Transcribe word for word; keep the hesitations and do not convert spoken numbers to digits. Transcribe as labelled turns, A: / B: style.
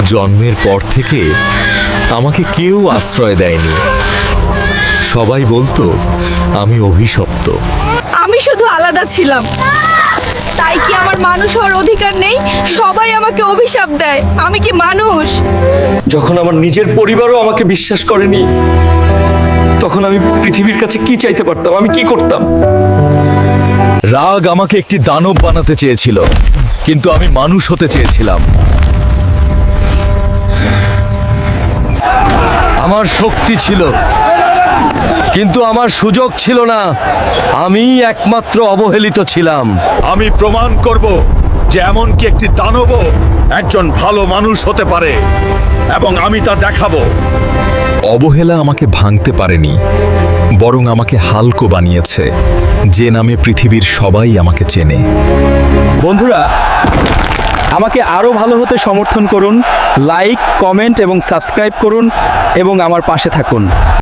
A: জন্মের পর থেকে আমাকে কেউ আশ্রয় দেয়নি। সবাই বলতো আমি অভিশপ্ত।
B: আমি শুধু আলাদা ছিলাম, তাই কি আমার মানুষ হওয়ার অধিকার নেই? সবাই আমাকে অভিশাপ দেয়। আমি কি মানুষ?
C: যখন আমার নিজের পরিবারও আমাকে বিশ্বাস করেনি, তখন আমি পৃথিবীর কাছে কি চাইতে পারতাম? আমি কি করতাম?
A: রাগ আমাকে একটি দানব বানাতে চেয়েছিল, কিন্তু আমি মানুষ হতে চেয়েছিলাম। আমার শক্তি ছিল, কিন্তু আমার সুযোগ ছিল না। আমি একমাত্র অবহেলিত ছিলাম।
D: আমি প্রমাণ করব যে এমনকি একটি দানবও একজন ভালো মানুষ হতে পারে, এবং আমি তা দেখাবো।
A: অবহেলা আমাকে ভাঙতে পারেনি, বরং আমাকে হালকা বানিয়েছে। যে নামে পৃথিবীর সবাই আমাকে চেনে।
C: বন্ধুরা, আমাকে আরও ভালো হতে সমর্থন করুন। লাইক, কমেন্ট এবং সাবস্ক্রাইব করুন এবং আমার পাশে থাকুন।